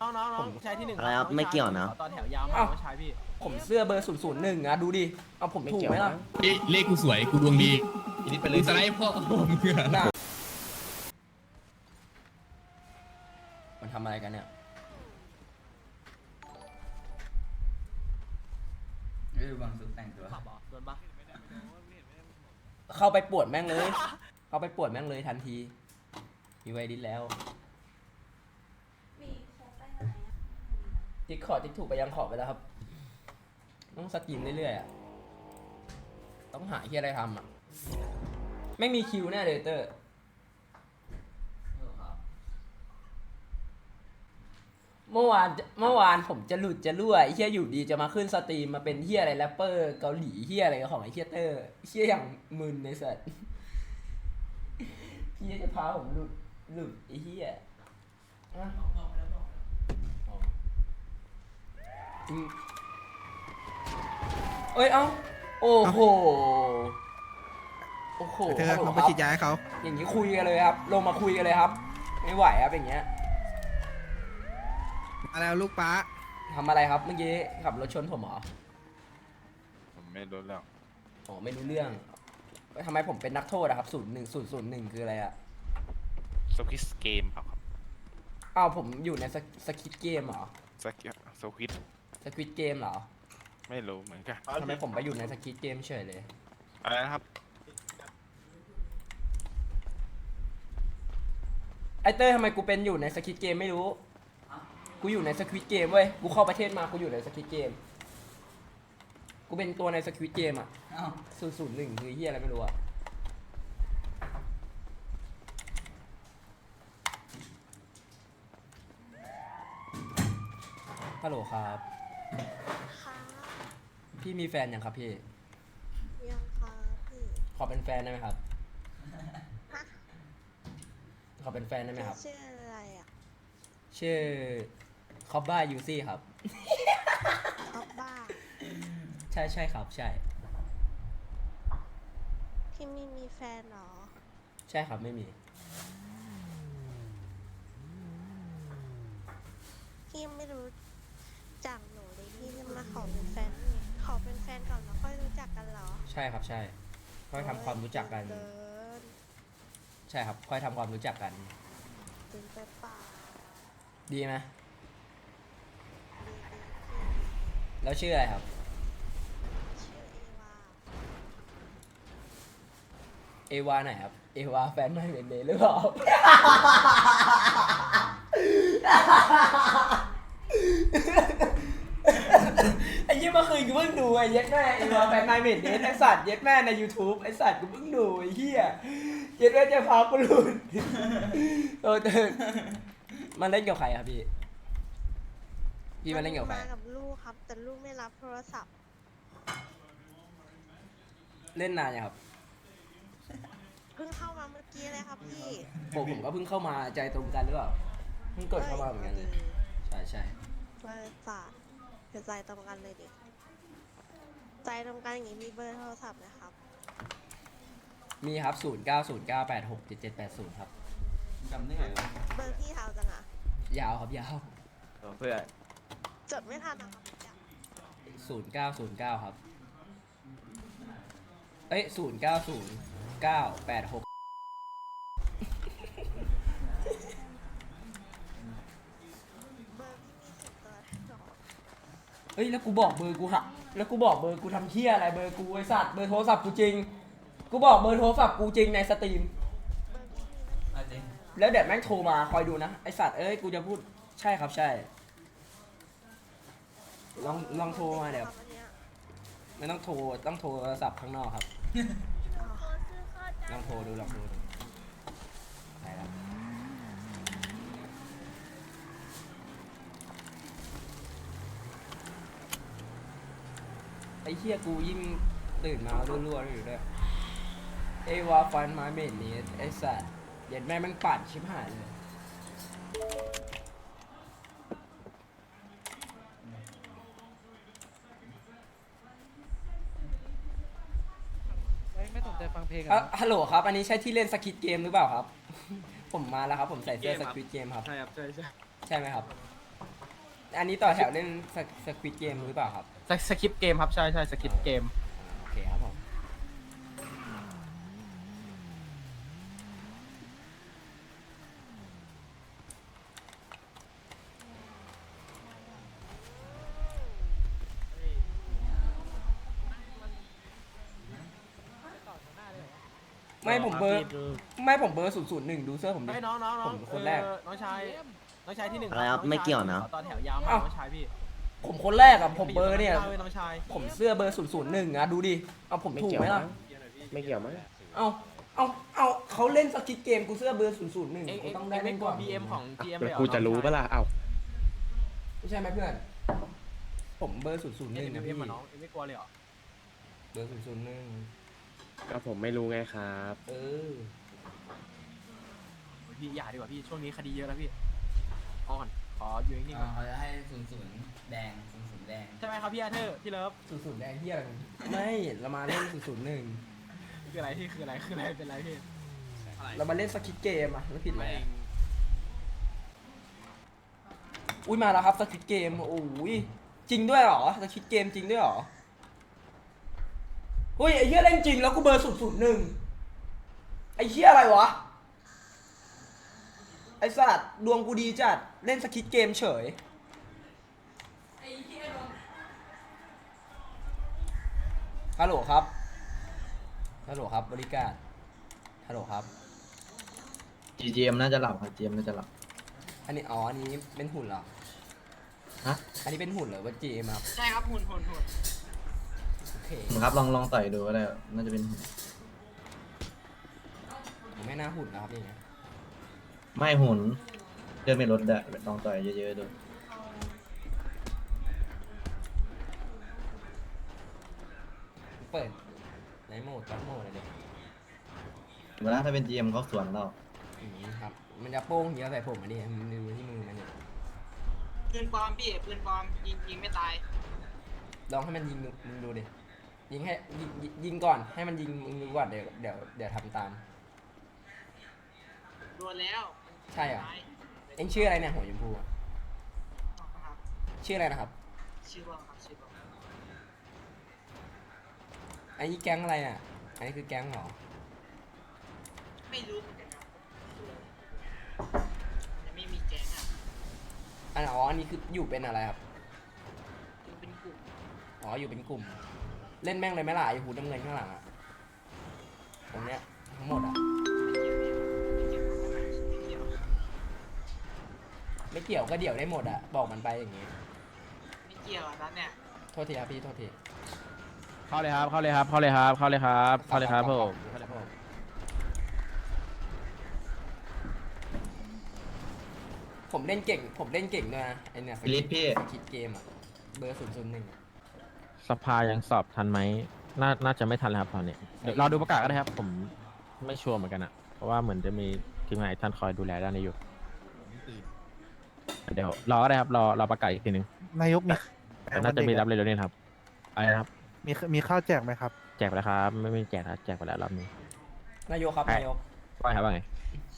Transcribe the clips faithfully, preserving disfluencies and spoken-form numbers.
น้องน้องน้องชายที่หนึ่งอะไรครับไม่เกี่ยวนะตอนแถวยาวมากชายพี่ผมเสื้อเบอร์ศูนย์ศูนย์หนึ่งอะดูดิเอาผมถูกไหมล่ะเอ้ยเลขกูสวยกูดวงดีอีนิดไปเลกูยสไลด์พ่อมึงอะน่ะมันทำอะไรกันเนี่ยเอ้ยบางสุดแต่งตัวขับเหรอโดนปะเข้าไปปวดแม่งเลย เข้าไปปวดแม่งเลยทันที มีไวดิสแล้วติ๊กขอติ๊กถูกไปยังขอไปแล้วครับ ต้องสกรีมเรื่อยๆอ่ะ ต้องหาที่อะไรทำอ่ะ ไม่มีคิวแน่เลยเตอร์ เมื่อวานเมื่อวานผมจะหลุดจะรั่วไอ้เฮียอยู่ดีจะมาขึ้นสตรีมมาเป็นเฮียอะไรแรปเปอร์เกาหลีเฮียอะไรของไอ้เฮียเตอร์เฮียอย่างมึนในสัตว์เฮียจะพาผมหลุดหลุดไอ้เฮียอะอืมเอ้ยเอ้าโอ้โหโอ้โหเธอฮัลโหลลงคไปรับฉีดยาให้เขาอย่างนี้คุยกันเลยครับ ลงมาคุยกันเลยครับ ไม่ไหวครับอย่างเงี้ยมาแล้วลูกป้าทำอะไรครับเมื่อกี้ขับรถชนผมเหรอผมไม่รู้เรื่องอ๋อไม่รู้เรื่องทำไมผมเป็นนักโทษอะครับศูนย์หนึ่งศูนย์ศูนย์หนึ่งคืออะไรอะสควิสเกมเปล่าครับอ้าวผมอยู่ในสสคิดเกมเหรอสกิสควิสสควิดเกมเหรอไม่รู้เหมือนกันทำไมผมไปอยู่ในสคิดเกมเฉยเลยอะไรนะครับไอเต้ยทำไมกูเป็นอยู่ในสคิดเกมไม่รู้ กูอยู่ในสควิดเกมเว้ย กูเข้าประเทศมา กูอยู่ในสควิดเกม กูเป็นตัวในสควิดเกมอะเอ้าศูนย์ศูนย์หนึ่งคือเฮียอะไรไม่รู้อะฮัลโหลครับค่ะพี่มีแฟนยังครับพี่ยังค่ะพี่ขอเป็นแฟนได้ไหมครับฮะขอเป็นแฟนได้ไหมครับชื่ออะไรอ่ะชื่อคอบบ้ายูซี่ครับท็อปบ้าใช่ใช่ครับใช่พี่ไม่มีแฟนเหรอใช่ครับไม่มีพี่ยังไม่รู้จักหนูเลยพี่จะมาขอเป็นแฟน ขอเป็นแฟนก่อนแล้วค่อยรู้จักกันเหรอใช่ครับใช่ ค่อยทำความรู้จักกันเกินใช่ครับค่อยทำความรู้จักกันตึงไปเปล่าดีไหมดีดีพี่แล้วชื่ออะไรครับชื่อเอวาเอวาไหนครับ เอวาแฟนไม่เป็นเดย์หรือเปล่า ไอ้ยี่เมื่อคืนกูเพิ่งดูไอ้เย็ดแม่เอวาแฟนไม่เป็นเดย์ไอ้สัตว์เย็ดแม่ใน YouTube ไอ้สัตว์กูเพิ่งดูไอ้เหี้ยเย็ดแม่จะพากูหลุดโอ้เติร์มันเล่นกับใครครับพี่ พี่มาเล่นกับใครมากับลูกครับ แต่ลูกไม่รับโทรศัพท์เล่นนานยังครับเพิ่งเข้ามาเมื่อกี้เลยครับพี่ผมผมก็เพิ่งเข้ามาใจตรงกันหรือเปล่าเพิ่งกดเข้ามาเหมือนกันเลย ใช่ใช่เบอร์ฝากเดี๋ยวใจตรงกันเลยดิ ใจตรงกันอย่างนี้มีเบอร์โทรศัพท์นะครับมีครับ ศูนย์ เก้า ศูนย์ เก้า แปด หก เจ็ด เจ็ด แปด ศูนย์ ครับจำได้ไงวะเบอร์พี่เทาจังอะยาวครับยาวเพื่อนจดไม่ทันนะครับศูนย์ เก้า ศูนย์ เก้า ครับ เอ้ย ศูนย์ เก้า ศูนย์ เก้า แปด หกเบอร์พี่มีสิบตัวหรอเอ้ย แล้วกูบอกเบอร์กูหักแล้วกูบอกเบอร์กูทำเที่ยอะไรเบอร์กูไอสัตว์เบอร์โทรศัพท์กูจริง กูบอกเบอร์โทรศัพท์กูจริงในสตรีมเบอร์พี่มีตั้งเอาจริงแล้วเดี๋ยวแม่งโทรมาคอยดูนะ ไอสัตว์เอ้ย กูจะพูด ใช่ครับใช่ ลองลองโทรมาเดี๋ยวอันเนี้ยไม่ต้องโทร ต้องโทรศัพท์ข้างนอกครับอ๋อลองโทรดูลองโทรดูไปแล้วไอ้เหี้ยกูยิ่งตื่นมารั่วๆอยู่ด้วยไอ้วาฟันมาเมนนี้ไอ้สัตว์เย็นแม่งมันปั่นชิบหายเลยไม่สนใจฟังเพลงอ่ะฮัลโหลครับ อันนี้ใช่ที่เล่นสควิดเกมหรือเปล่าครับ ผมมาแล้วครับ ผมใส่เสื้อสควิดเกมครับใช่ครับใช่ใช่ใช่ไหมครับอันนี้ต่อแถวเล่นสควิตเกมหรือเปล่าครับสสคริปต์เกมครับใช่ใช่สคริปต์เกมโอเคครับผม ไม่ผมเบอร์ไม่ผมเบอร์ศูนย์ศูนย์หนึ่งดูเสื้อผมดิไอ้น้องน้องน้องผมคนแรกเออน้องชายน้องชายที่หนึ่งอะไรครับน้งชาไม่เกี่ยวนะขอตอนแถวยาวมากเอ้าน้องชายพี่ผมคนแรกอะผมเบอร์เนี่ยพี่น้องชายผมเสื้อเบอร์ศูนย์ศูนย์หนึ่งอะดูดิ เอาผมถูกไหมล่ะไม่เกี่ยวมั้งเอาเอาเอาเขาเล่นสกิทเกมกูเสื้อเบอร์ศูนย์ศูนย์หนึ่งเอ็งกูเอ็งต้องได้เอ็งเล่ไม่นกลัก่วอนบี เอ็มของ จี เอ็ม เลยเหรอกูจะรู้ปะล่ะ เอ้าไม่ใช่ไหมเพื่อน ผมเบอร์ศูนย์ศูนย์หเอ็นึ่งงเอ็นะมพี่มาน้องเอ็งไม่กลัวเลยเหรอเบอร์ศูนย์ศูนย์หนึ่งก็ผมไม่รู้ไงครับเออพี่อย่าดีกว่าพี่ช่วงนี้คดีเยอะแล้วพี่พอก่อนขออยู่นิ่งๆก่อนเขาจะให้ศูนย์ศูนย์แดงศูนย์ศูนย์แดงใช่ไหมครับพี่อาเธอร์พี่เลิฟศูนย์ศูนย์แดงเฮียอะไรไม่เรามาเล่นศูนย์ศูนย์หนึ่งคืออะไรพี่คืออะไรคืออะไรเป็นไรพี่อะไรเรามาเล่นสกิทเกมอะไม่ผิดเลไม่ยเองอุ้ยมาแล้วครับสกิทเกมโอ้ยจริงด้วยเหรอสกิทเกมจริงด้วยเหรอเฮ้ยไอ้เหี้ยเล่นจริงแล้วกูเบอร์ศูนย์ศูนย์หนึ่งไอ้เหี้ยอะไรวะไอ้สัตว์ดวงกูดีจัดเล่นสกิทเกมเฉยฮัลโหลครับฮัลโหลครับบริการฮัลโหลครับจีเจมน่าจะหลับครับจีเจมน่าจะหลับอันนี้อ๋ออันนี้เป็นหุ่นเหรอฮะอันนี้เป็นหุ่นเหรอว่าจีเอ็มครับใช่ครับหุ่นหุ่นหุ่นโอเคผมครับลองลองต่อยดูก็ได้น่าจะเป็นผมไม่น่าหุ่นนะครับอย่างเงี้ยไม่หุ่นเดินไม่ลดได้ลองต่อยเยอะๆดูเปิดในโหมดจับโหมดอะไรเด็กเวลาถ้าเป็นจีเอ็มเขาสวนเราอย่างนี้ครับ มันจะโป้งเยอะใส่ผมอันนี้มันดูที่มือมันเนี่ยปืนปลอมพี่ปืนปลอมยิงยิงไม่ตายลองให้มันยิงดูมึงดูดิ ยิงให้ยิงยิงยิงก่อน ให้มันยิงมึงดูก่อนเดี๋ยวเดี๋ยวเดี๋ยวทำตามโดนแล้วใช่เหรอตายเอ็งชื่ออะไรเนี่ยหัวชมพูอะครับชื่ออะไรนะครับชื่อว่าครับชื่อว่าอันนี้แก๊งอะไรอ่ะ อันนี้คือแก๊งเหรอไม่รู้เหมือนกันครับยังไม่มีแก๊งอ่ะอันอ๋อ อันนี้คืออยู่เป็นอะไรครับคือเป็นกลุ่มอ๋อ อยู่เป็นกลุ่ม เล่นแม่งเลยไหมล่ะไอ้หูน้ำเงินข้างหลังอ่ะ ตรงเนี้ยทั้งหมดอ่ะไม่เกี่ยวไม่เกี่ยวไม่เกี่ยวไม่เกี่ยวก็เดี่ยวได้หมดอ่ะ บอกมันไปอย่างงี้ไม่เกี่ยวอ่ะนั้นเนี่ยโทษทีครับพี่ โทษทีเข้าเลยครับเข้าเลยครับเข้าเลยครับเข้าเลยครับเข้าเลยครับผมเข้าเลยครับผมผมเล่นเก่ง ผมเล่นเก่งด้วยนะไอเนี่ยฟิลิปพี่สกิดเกมอ่ะ เบอร์ศูนย์ศูนย์หนึ่งสภายังสอบทันไหมน่าน่าจะไม่ทันแล้วครับตอนนี้เดี๋ยวรอดูประกาศก็ได้ครับ ผมไม่ชัวร์เหมือนกันอะเพราะว่าเหมือนจะมีทีมงานอีกท่านคอยดูแลด้านนี้อยู่ เดี๋ยวรอก็ได้ครับ รอรอประกาศอีกทีนึงนายกมีแต่น่าจะมีรับเร็วๆนี้นะครับอะไรนะครับมีมีข้าวแจกไหมครับแจกไปแล้วครับไม่ไม่แจกครับแจกไปแล้วรอบนี้นายกครับใช่นายกว่าไงครับว่าไง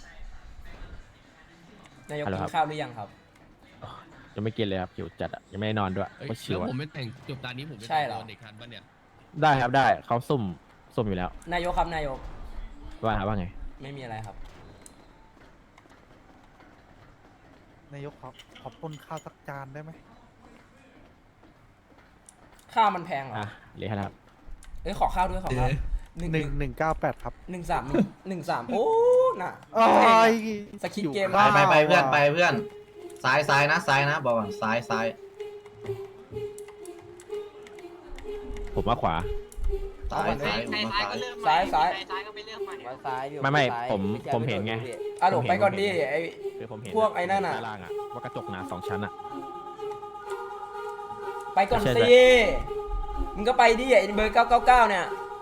นายกฮัลโหลกิครับนข้าวหรือยังครับยังไม่กินเลยครับหิวจัดอะยังไม่ได้นอนด้วยเอ้ยเพราะชิแล้ว วอะผมไม่แต่งจบตอนนี้ผมไม่ใช่แต่งเหรอโดนเด็กทันปะเนี่ยได้ครับได้เขาซุ่มซุ่มอยู่แล้วนายกครับนายกว่าครับว่าไงไม่มีอะไรครับนายกขอขอปนข้าวสักจานได้ไหมข้าวมันแพงเหรออ่ะเรียกครับเอ้ยขอข้าวด้วยขอข้าวหนึ่งหนึ่งหนึ่งเก้าแปดครับหนึ่งสามหนึ่งหนึ่งสามโอ้น่ะโอ้ยสคริปต์เกมไปไปไปเพื่อนไปเพื่อนซ้ายซ้ายนะซ้ายนะบอกก่อนซ้ายซ้ายผมว่าขวาซ้ายใครซ้ายผมใครว่าซ้ายซ้ายก็เลือกมาใครซ้ายก็ไปเลือกมาเนี่ยไว้ซ้ายอยู่ไม่ไม่ซ้ายผมไใช่ผมเห็นไงอ่ะหลบไปก่อนดิไอคือผมเห็นพวกไอ้นั่นน่ะด้าล่างอะว่ากระจกหนาสองชั้นอะไปก่อนใช่สิใช่มึงก็ไปดิไอเบอร์เก้าเก้าเก้าเนี่ย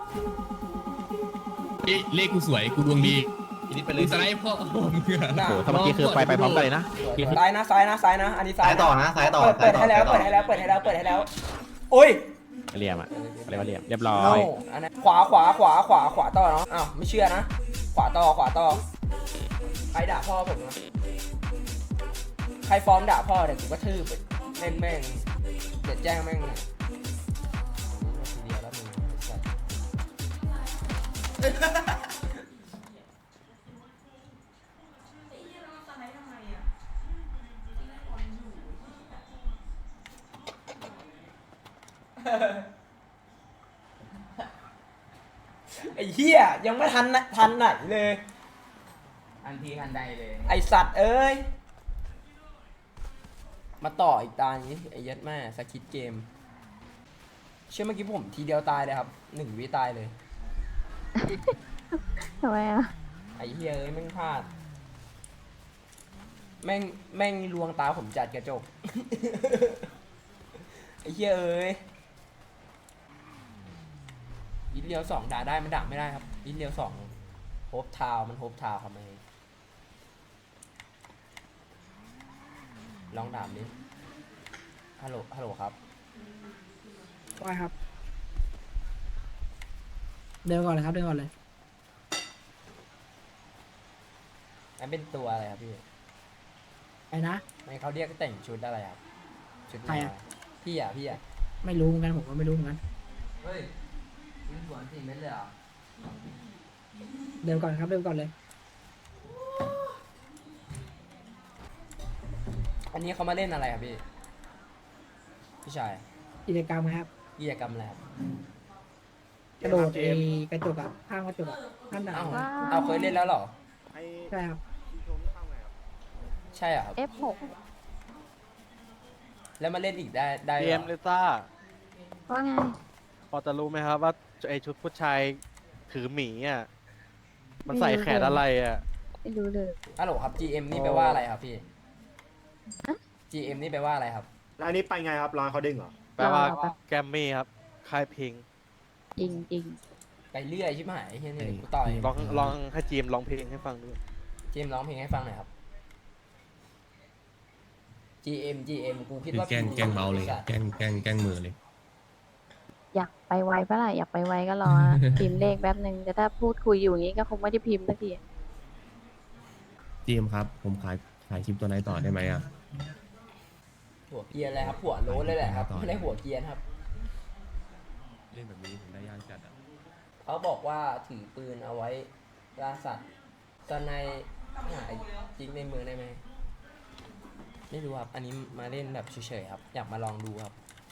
เอ้ยเลขกูสวยกูดวงดีทีนี้ไปเลกูยสไลด์พ่อมึงอะน่ะโอ้โหถ้าเมื่อกี้คือไปไปพร้อมกันเลยนะซ้ายนะซ้ายนะซ้ายนะ อันนี้ซ้าซ้าย ยต่อนะซ้ายต่อเปิดเปิดซ้ายต่อให้แล้วซ้ายต่อเปิดให้แล้วเปิดให้แล้วเปิดให้แล้วโอ้ยเรียมอะอะไรว่าเรียมเรียบร้อโน่ยอันนั้นขวาขวาขวาขวาขวาต่อเนาะอ้าวไม่เชื่อนะ ขวาต่อขวาต่อใครด่าพ่อผมนะใครฟ้องด่าพ่อเดี๋ยวกูก็ทืบไปเล่นแม่งเดี๋ยวแจ้งแม่งเลยทีเดียวแล้วมึงไอ้สัสไอ้เหี้ยยังไม่ทันนะทันไหนเลยทันทีทันใดเลยไอสัตว์เอ้ย มาต่ออีกตานี้ไอ้ยัดแม่สคิดเกม เชื่อเมื่อกี้ผมทีเดียวตายเลยครับหนึ่งวิตายเลยทำไมอ่ะไอ้เฮียเอ้ยแม่งพลาด แม่งแม่งลวงตาผมจัดกระจก ไอ้เฮียเอ้ยยินเลียวสองด่าได้มันด่าไม่ได้ครับยินเลียวสองโฮปทาวมันโฮปทาวทำไมลองถามดิฮัลโหลฮัลโหลครับว่าครับ เดินก่อนเลยครับเดินก่อนเลยนั่นเป็นตัวอะไรครับพี่ไอ้นะไม่เขาเรียกแต่งชุดอะไรครับชุดใครอะพี่อ่ะพี่อ่ะไม่รู้เหมือนกันผมก็ไม่รู้เหมือนกันเฮ้ยยิงสวนสี่เม็ดเลยเหรอเดินก่อนครับเดินก่อนเลยอันนี้เขามาเล่นอะไรครับพี่พี่ชายกิจกรรมครับกิจกรรมอะไรครับกระโดดไอ้กระจกอะข้างกระจกอะข้างหนาวเอ้าเอาเคยเล่นแล้วเหรอใช่ครับใช่เหรอครับเอฟหกแล้วมาเล่นอีกได้ได้เหเกรมอเลซ่าว่าไงพอจะรู้ไหมครับว่าไอชุดผู้ชายถือหมีอ่ะ มันใส่แขนอะไรอ่ะไม่รู้เลยฮัลโหลครับ จี เอ็ม นี่แปลว่าอะไรครับพี่ จี เอ็ม นี่แปลว่าอะไรครับแล้วอันนี้ไปไงครับร้านเขาดึงเหรอแปลว่าเราแบบแกรมมี่ครับค่ายเพลงจริงจริงไปเรื่อยชิบหายเฮียนี่กูต่อยลองลองให้จีมร้องเพลงให้ฟังด้วยเจมส์ร้องเพลงให้ฟังหน่อยครับ จี เอ็ม จี เอ็ม กูคิดคือว่าแกล้งแกล้งเมาเลยไอ้สัตว์แกล้งแกล้งแกล้งมือเลยอยากไปไวปะล่ะอยากไปไวก็รอนะ พิมพ์เลขแป๊บนึงแต่ถ้าพูดคุยอยู่อย่างงี้ก็คงไม่ได้พิมพ์สักทีจีมครับ ผมขายขายคลิปตัวไหนต่อได้ไหมอ่ะหัวเกรียนเลยครับ หัวโล้นเลยแหละครับ ไม่ได้หัวเกรียนครับเล่นแบบนี้ผมได้ย่างจัดอ่ะเขาบอกว่าถือปืนเอาไว้ล่าสัตว์ตอนในหายจริงในเมืองได้ไหมไม่รู้ครับ อันนี้มาเล่นแบบเฉยๆครับ อยากมาลองดูครับ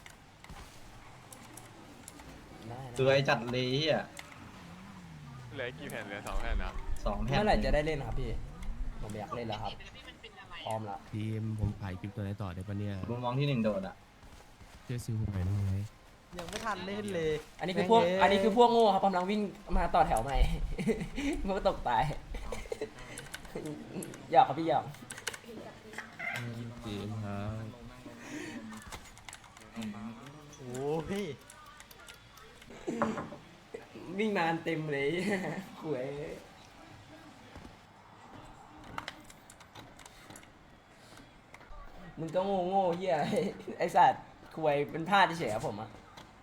ได้นะสวยจัดเลยอ่ะเหลือกี่แผ่นเหลือสองแผ่นนะสองแผ่นเมื่อไหร่จะได้เล่นครับพี่ ผมอยากเล่นแล้วครับ พร้อมแล้วทีมผมขายคลิปตัวไหนต่อได้ปะเนี่ยมุมมองที่หนึ่งโดดอ่ะช่วยซื้อผมหน่อยได้ไหมยังไม่ทันเล่นเลยอันนี้คือพวก อันนี้คือพวกโง่ครับกำลังวิ่งมาต่อแถวใหม่ พวกตกตาย หยอกครับพี่หยอกทีมครับโอ้ยวิ่งนานเต็มเลย หวยมึงก็โง่โง่เฮีย ไอสัตว์ควยเป็นพลาดเฉยๆครับผมอะ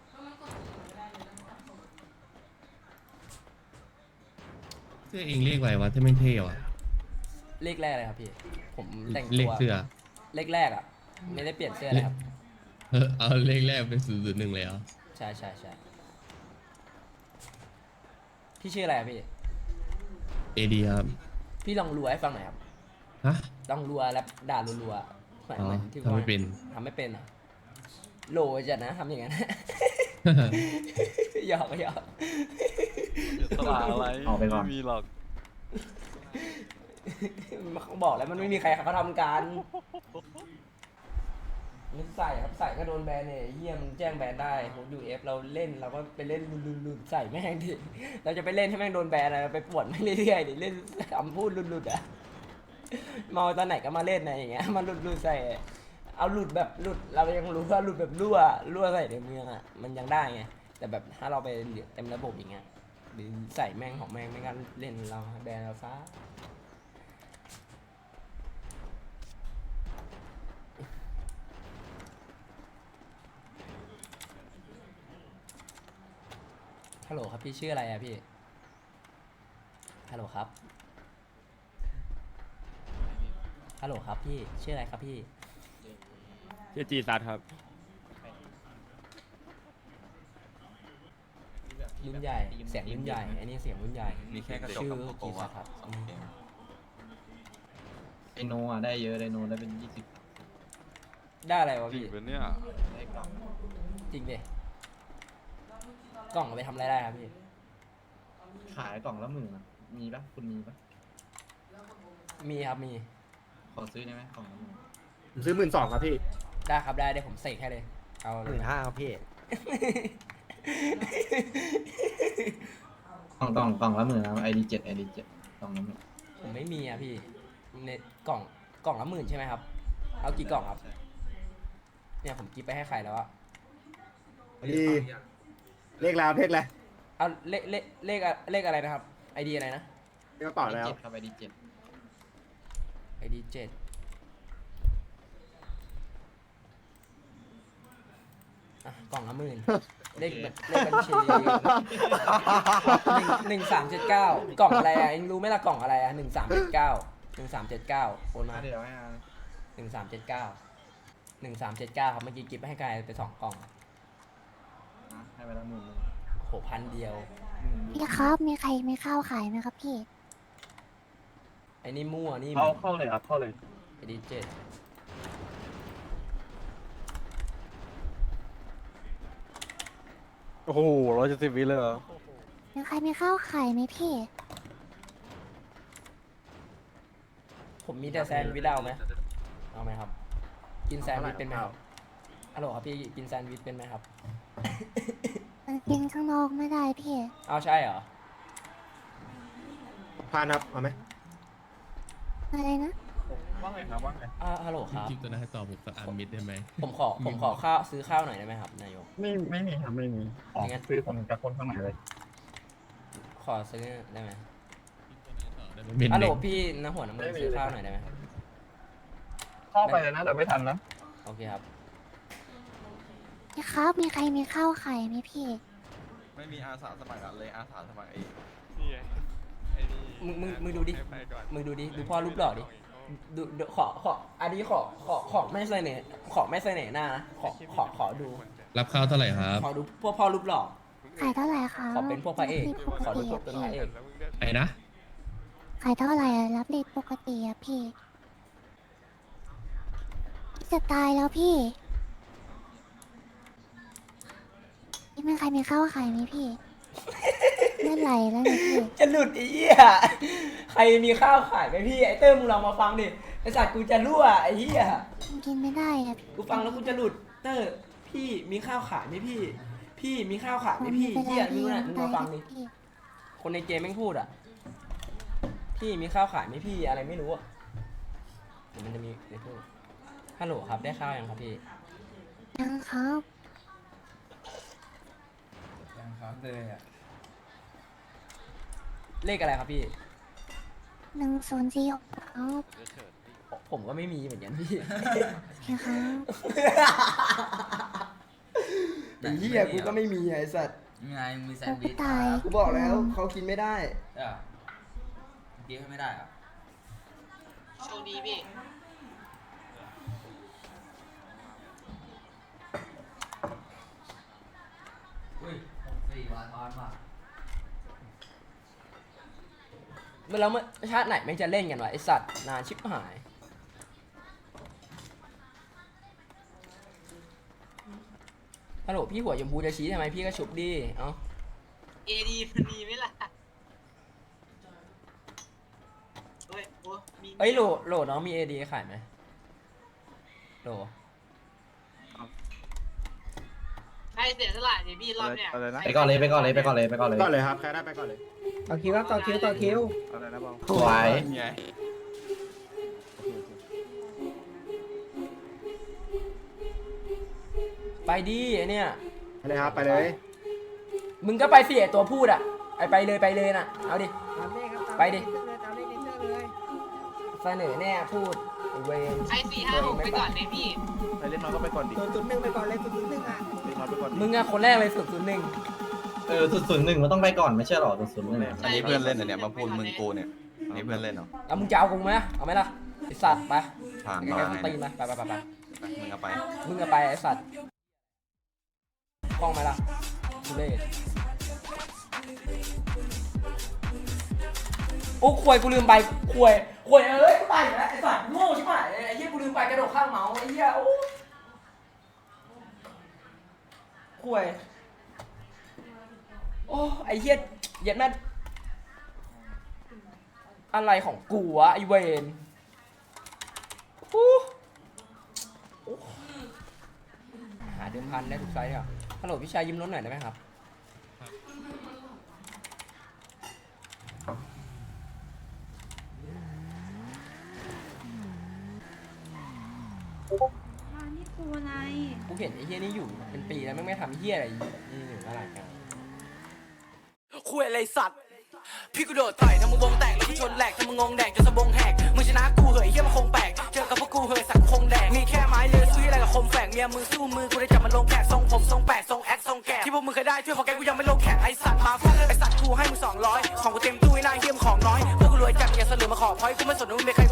เสื้อเองเรียกอะไรวะถ้าไม่เท่ว่ะเลขแรกเลยครับพี่ ผมแต่งเลตัขวเสื้อเลขแรกอะไม่ได้เปลี่ยนเสื้อเลยครับเออเอาเลขแรกเป็นศูนย์ศูนย์หนึ่งเลยเหรอใช่ใช่ใช่พี่ชื่ออะไรอะพี่เอดีครับพี่ลองรัวให้ฟังหน่อยครับฮะลองรัวแล้วด่ารัวๆเหมือนอ๋อเหมือนที่ทำไม่เป็นทำไม่เป็นอ่ะโหลจัดนะทำอย่างนั้น หยอกหยอกสลาอะไรเอาไปก่อนไม่มีหรอกเขาบอกแล้วมันไม่มีใครเขาทำกันนี่ใส่ครับใส่ก็โดนแบนเนี่ยเฮียมันแจ้งแบนได้ผมยูเอฟเราเล่นเราก็ไปเล่นลุนๆใส่แม่งดิเราจะไปเล่นให้แม่งโดนแบนอะไรไปปวดไม่เรื่อยๆดิเล่นคำพูดลุดๆอ่ะเมาตอนไหนก็มาเล่นนะอย่างเงี้ยมาลุดๆใส่เอาหลุดแบบหลุดเรายังรู้ว่าหลุดแบบรั่วรั่วใส่ในเมืองอ่ะมันยังได้ไงแต่แบบถ้าเราไปเต็มระบบอย่างเงี้ยหรือใส่แม่งของแม่งไม่งั้นเล่นเราแบนเราซะฮัลโหลครับพี่ชื่ออะไรอะพี่ฮัลโหลครับฮัลโหลครับพี่ชื่ออะไรครับพี่ชื่อจีซัดครับรุ่นใหญ่เสียงรุ่นใหญ่อันนี้เสียงรุ่นใหญ่มีแค่กระจกชื่อกับโกกีโกซัวาดครับสองเกมไอโนอ่ะได้เยอะไดโนได้เป็นยี่สิบได้อะไรวะจริงพี่ปะเนี่ยได้กล่องจริงดิกล่องเอาไปทำอะไรได้ครับพี่ขายกล่องละหมื่นอะมีปะคุณมีปะมีครับมีขอซื้อได้ไหมกล่องละหมื่นผมซื้อหมื่นสองครับพี่ได้ครับได้เดี๋ยวผมเสกให้เลยเอาหมื่นห้าครับพี่กล่องกล่องกล่องละหมื่นนะไอดีเจ็ดไอดีเจ็ดกล่องละหมื่นผมไม่มีอะพี่ในกล่องกล่องละหมื่นใช่ไหมครับ เอากี่กล่องครับใช่เนี่ยผมกิฟไปให้ใครแล้วอะดีเลขแล้วเลขแล้วเอาเลขเลขเลขอะเลขอะไรนะครับไอดีอะไรนะเลขกระเป๋าแล้วเจ็ดครับไอดีเจ็ดไอดีเจ็ดอ่ะกล่องละหมื่นเลขแบบเลขบัญชีหนึ่งหนึ่งสามเจ็ดเก้ากล่องอะไรอ่ะเองรู้ไหมล่ะกล่องอะไรอ่ะหนึ่งสามเจ็ดเก้าหนึ่งสามเจ็ดเก้าโอนมาเดี๋ยวให้อาหนึ่งสามเจ็ดเก้าหนึ่งสามเจ็ดเก้าครับเมื่อกี้กิฟให้ใครไปสองกล่องให้ไปละหมื่นโหพันเดียวพี่ครับมีใครมีข้าวขายไหมครับพี่ไอ้นี่มั่วนี่เข้าเข้าเลยครับเข้าเลยไอดีเจ็ดโอ้โหร้อยเจ็ดสิบวิเลยเหรอมีใครมีข้าวขายไหมพี่ผมมีแต่แซนด์วิชเอาไหมเอาไหมครับ กินแซนด์วิชเป็นไหมครับฮัลโหลครับพี่กินแซนด์วิชเป็นไหมครับมันกินข้างนอกไม่ได้พี่เอาใช่เหรอพานครับเอาไหมอะไรนะว่าไงครับว่าไงอ่าฮัลโหลครับคลิปตัวนั้นให้ตอบผมสักอันมิดได้ไหมผมขอผมขอข้าวซื้อข้าวหน่อยได้ไหมครับนายกไม่ไม่มีครับไม่มีออกงั้นซื้อคนกับคนข้างในเลยขอซื้อได้ไหมเป็นฮัลโหลเด็กพี่น้ำหัวน้ำมือซื้อข้าวหน่อยได้ไหมครับเข้าไปเลยนะแต่ไม่ทันนะโอเคครับพี่ครับมีใครมีข้าวขายไหมพี่ไม่มีอาสาสมัครอะเลยอาสาสมัครเองนี่ไงไอ้นี่มึงมึงมึงดูดิให้ไปก่อนมึงดูดิดูพ่อรูปหล่อดิดูดูขอขออันนี้ขอขอขอไม่เสน่ห์ขอไม่เสน่ห์หน้านะขอขอขอดูรับข้าวเท่าไหร่ครับขอดูพวกพ่อรูปหล่อขายเท่าไหร่คะขอเป็นพวกพระเอกปกขอดูติพวกอะเป็นพี่พระเอกแล้วมึงเลือกไอ้นะขายเท่าไหร่อะรับเรทปกติอะพี่ จะตายแล้วพี่นี่มีใครมีข้าวขายไหมพี่ เมื่อไหร่แล้วเนี่ยพี่จะหลุดไอ้เหี้ยใครมีข้าวขายไหมพี่ไอ้เติ้มมึงลองมาฟังดิไอ้สัตว์กูจะรั่วไอ้เหี้ยมันกินไม่ได้อะพี่กูฟังแล้วกูจะหลุดเตอร์พี่มีข้าวขายไหมพี่ พี่มีข้าวขายไหมพี่มันเหี้ยเป็นมึงไรน่ะมึงมาฟังดิพี่คนในเกมแม่งพูดอ่ะพี่มีข้าวขายไหมพี่อะไรไม่รู้อ่ะเดี๋ยวมันจะมีในพูดฮัลโหลครับได้ข้าวยังครับพี่ยังครับยังครับเลยอ่ะเลขอะไรครับพี่หนึ่งศูนย์สี่ครับผมก็ไม่มีเหมือนกันพี่พี่ครับไอ้เหี้ยกูก็ไม่มีไอ้สัตว์ยังไงมีแซนด์วิชตายกูบอกแล้วเขากินไม่ได้เออกินให้ไม่ได้อ่ะโชคดีพี่อุ้ยหกสี่วาทอนว่ะเมื่อเราเมื่อชาติไหนไม่งจะเล่นกันวะไอสัตว์นานชิบหายฮัลโหลพี่หัวชมพูจะชี้ทำไมพี่ก็ชุบดิเอ้าเอดีมันมีไหมล่ะเฮ้ยโอ้มีเอ้ยโหลโหลน้องมีเอดีขายไหมโหลใครเสียสละเนี่ยพี่รอบเนี่ยอะไรนะไปก่อนเลยไปก่อนเลยไปก่อนเลยไปก่อนเลยก่อนเลยครับใครได้ไปก่อนเลยต่อคิวครับต่อคิวต่อคิวอะไรนะบองสวยไงไปดิไอเนี่ยไปเลยครับไปเลยมึงก็ไปสิไอตัวพูดอ่ะไอไปเลยไปเลยน่ะเอาดิตามเลขครับตามไปดิตามเลขในเสื้อเลยเสนอแน่พูดไอเวรใครสี่ห้าหกไปก่อนเลยพี่ไปเล่นน้อยก็ไปก่อนดิศูนย์จุดหนึ่งไปก่อนเลยศูนย์จุดหนึ่งอ่ะเล่นน้อยไปก่อนดิมึงอะคนแรกเลยสุดศูนย์หนึ่งเออศูนย์หนึ่งมันต้องไปก่อนไม่ใช่หรอศูนย์หนึ่งใช่อันนี้เพื่อนเล่นเหรอเนี่ยมาพูดมึงกูเนี่ยนี่เพื่อนเล่นเหรอแล้วมึงจะเอากูไหมเอาไหมล่ะไอสัตว์ไปผ่านยังมาไงไงตีนไปไปไปไปไปมึงเอาไปมึงก็ไปไอ้สัตว์กล้องไหมล่ะดูเลยโอ้ควยกูลืมไปควยควยเอ้ยกูตายอยู่แล้วไอ้สัตว์โง่ใช่ไหมไอ้เหี้ยกูลืมไปกระโดดข้างเมาส์ไอ้เหี้ยโอ้ควยโอ้ไอ้เหี้ยเหี้ย็ดแม่อะไรของกูวะไอ้เวนโอ้หาเดิมพันได้ทุกไซส์เลยอ่ะฮัลโหลพี่ชายยิ้มรถหน่อยได้ไหมครับมานี่กูอะไรกูเห็นไอ้เฮียนี่อยู่เป็นปีแล้วไม่ไม่ทำเฮียอะไรนี่อยู่อะไรกันคุยอะไรสัตว์พี่กูโดดต่อยทำมึงวงแตกแล้วกูชนแหลกทำมึงงงแดกจนสะบงแหกมึงชนะกูเหยเฮียมันคงแปลกเจอกับพวกกูเหยสักคงแดกมีแค่ไม้เลือซื้ออะไรกับคมแฝกเมียมือสู้มือกูได้จับมันลงแขกทรงผมทรงแปดทรงแอคทรงแกะที่พวกมึงเคยได้ช่วยของแกกูยังไม่ลงแขกไอสัตว์มาฟาดไอสัตว์กูให้มึงสองร้อยของกูเต็มตู้ไอ้นายเฮียมของน้อยพวกกูรวยจัดอย่าเสลือมาขอพอยกูไม่สนว่ามึงเป็นใคร